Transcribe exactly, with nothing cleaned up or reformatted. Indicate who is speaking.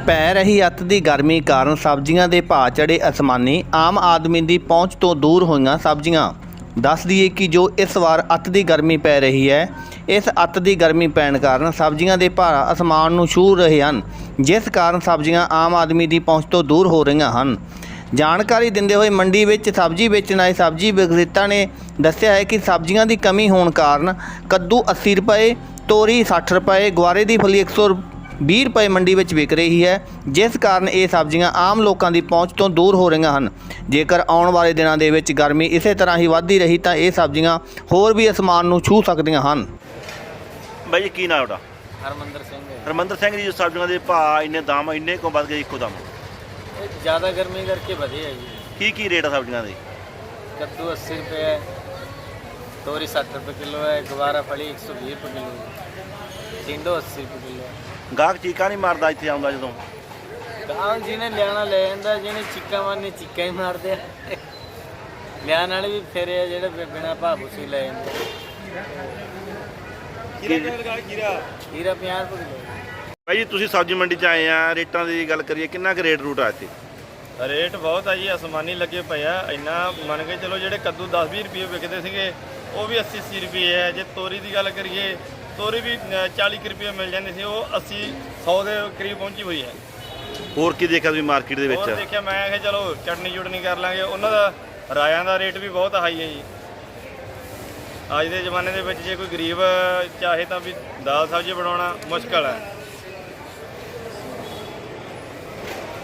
Speaker 1: ਪੈ ਰਹੀ ਅੱਤ ਦੀ ਗਰਮੀ ਕਾਰਨ ਸਬਜ਼ੀਆਂ ਦੇ ਭਾਅ ਚੜ੍ਹੇ ਅਸਮਾਨੀ। ਆਮ ਆਦਮੀ ਦੀ ਪਹੁੰਚ ਤੋਂ ਦੂਰ ਹੋਈਆਂ ਸਬਜ਼ੀਆਂ। ਦੱਸ ਦਈਏ ਕਿ ਜੋ ਇਸ ਵਾਰ ਅੱਤ ਦੀ ਗਰਮੀ ਪੈ ਰਹੀ ਹੈ, ਇਸ ਅੱਤ ਦੀ ਗਰਮੀ ਪੈਣ ਕਾਰਨ ਸਬਜ਼ੀਆਂ ਦੇ ਭਾਅ ਅਸਮਾਨ ਨੂੰ ਛੂਹ ਰਹੇ ਹਨ, ਜਿਸ ਕਾਰਨ ਸਬਜ਼ੀਆਂ ਆਮ ਆਦਮੀ ਦੀ ਪਹੁੰਚ ਤੋਂ ਦੂਰ ਹੋ ਰਹੀਆਂ ਹਨ। ਜਾਣਕਾਰੀ ਦਿੰਦੇ ਹੋਏ ਮੰਡੀ ਵਿੱਚ ਸਬਜ਼ੀ ਵੇਚਣ ਆਏ ਸਬਜ਼ੀ ਵਿਕਰੇਤਾ ਨੇ ਦੱਸਿਆ ਹੈ ਕਿ ਸਬਜ਼ੀਆਂ ਦੀ ਕਮੀ ਹੋਣ ਕਾਰਨ ਕੱਦੂ अस्सी ਰੁਪਏ, ਤੋਰੀ ਸੱਠ ਰੁਪਏ, ਗੁਆਰੇ ਦੀ ਫਲੀ ਇੱਕ ਸੌ ਵੀਹ ਰੁਪਏ ਮੰਡੀ ਵਿੱਚ ਵਿਕ ਰਹੀ ਹੈ, ਜਿਸ ਕਾਰਨ ਇਹ ਸਬਜ਼ੀਆਂ ਆਮ ਲੋਕਾਂ ਦੀ ਪਹੁੰਚ ਤੋਂ ਦੂਰ ਹੋ ਰਹੀਆਂ ਹਨ। ਜੇਕਰ ਆਉਣ ਵਾਲੇ ਦਿਨਾਂ ਦੇ ਵਿੱਚ ਗਰਮੀ ਇਸੇ ਤਰ੍ਹਾਂ ਹੀ ਵੱਧਦੀ ਰਹੀ ਤਾਂ ਇਹ ਸਬਜ਼ੀਆਂ ਹੋਰ ਵੀ ਅਸਮਾਨ ਨੂੰ ਛੂਹ ਸਕਦੀਆਂ ਹਨ।
Speaker 2: ਬਾਈ ਜੀ ਕੀ ਨਾਮ ਤੁਹਾਡਾ?
Speaker 3: ਹਰਮੰਦਰ ਸਿੰਘ ਹੈ।
Speaker 2: ਹਰਮੰਦਰ ਸਿੰਘ ਜੀ, ਸਬਜ਼ੀਆਂ ਦੇ ਭਾਅ ਇੰਨੇ ਦਾਮ ਇੰਨੇ ਕਿਉਂ ਵੱਧ ਗਏ ਇੱਕੋ ਦਮ?
Speaker 3: ਇਹ ਜ਼ਿਆਦਾ ਗਰਮੀ ਕਰਕੇ ਵਧੇ ਹੈ ਜੀ।
Speaker 2: ਕੀ ਕੀ ਰੇਟ ਆ ਸਬਜ਼ੀਆਂ ਦੇ?
Speaker 3: ਕੱਦੂ अस्सी रुपये है, तोरी सत्तर रुपये किलो है, गवारा फली एक सौ बीस रुपये किलो है, टिंडो अस्सी रुपये किलो है।
Speaker 2: ਗਾਹਕ ਚੀਕਾਂ नहीं मारदा ਇੱਥੇ ਆਉਂਦਾ ਜਦੋਂ?
Speaker 3: ਗਾਹਕ ਜਿਹਨੇ ਲਿਆਣਾ ਲੈ ਜਾਂਦਾ, ਜਿਹਨੇ ਚੀਕਾਂ ਮਾਰਨੀ ਚੀਕਾਂ ਹੀ ਮਾਰਦੇ ਆ। ਲਿਆਣ ਵਾਲੇ ਵੀ ਫੇਰੇ ਆ ਜਿਹੜੇ ਬਿਨਾਂ ਭਾਅ ਭੂਸੀ ਲੈ ਜਾਂਦੇ।
Speaker 2: ਖੀਰਾ
Speaker 3: ਖੀਰਾ ਪੰਜਾਹ ਰੁਪਏ ਕਿਲੋ।
Speaker 2: ਬਾਈ ਜੀ ਤੁਸੀਂ ਸਬਜ਼ੀ ਮੰਡੀ 'ਚ ਆਏ ਆ, ਰੇਟਾਂ ਦੀ ਗੱਲ ਕਰੀਏ ਕਿੰਨਾ ਕੁ ਰੇਟ ਰੂਟ ਆ ਇੱਥੇ?
Speaker 4: ਰੇਟ ਬਹੁਤ ਆ ਜੀ, ਅਸਮਾਨੀ ਲੱਗੇ ਪਏ ਆ। ਇੰਨਾ ਮੰਨ ਕੇ ਚਲੋ ਜਿਹੜੇ ਕੱਦੂ ਦਸ ਵੀਹ ਰੁਪਏ ਵਿਕਦੇ ਸੀਗੇ ਉਹ ਵੀ अस्सी अस्सी ਰੁਪਏ ਹੈ। ਜੇ ਤੋਰੀ ਦੀ ਗੱਲ ਕਰੀਏ, ਤੋਰੀ ਵੀ ਚਾਲੀ ਕੁ ਰੁਪਏ ਮਿਲ ਜਾਂਦੀ ਸੀ, ਉਹ अस्सी ਸੌ ਦੇ ਕਰੀਬ ਪਹੁੰਚੀ ਹੋਈ ਹੈ।
Speaker 2: ਹੋਰ ਕੀ ਦੇਖਿਆ ਤੁਸੀਂ ਮਾਰਕੀਟ ਦੇ ਵਿੱਚ?
Speaker 4: ਹੋਰ ਦੇਖਿਆ ਮੈਂ ਕਿਹਾ ਚਲੋ ਚਟਨੀ ਚੁਟਨੀ ਕਰ ਲਾਂਗੇ। ਉਹਨਾਂ ਦਾ ਰਾਇਆਂ ਦਾ ਰੇਟ ਵੀ ਬਹੁਤ ਹਾਈ ਹੈ ਜੀ। ਅੱਜ ਦੇ ਜ਼ਮਾਨੇ ਦੇ ਵਿੱਚ ਜੇ ਕੋਈ ਗਰੀਬ ਚਾਹੇ ਤਾਂ ਵੀ ਦਾਲ ਸਬਜ਼ੀ ਬਣਾਉਣਾ ਮੁਸ਼ਕਲ ਹੈ।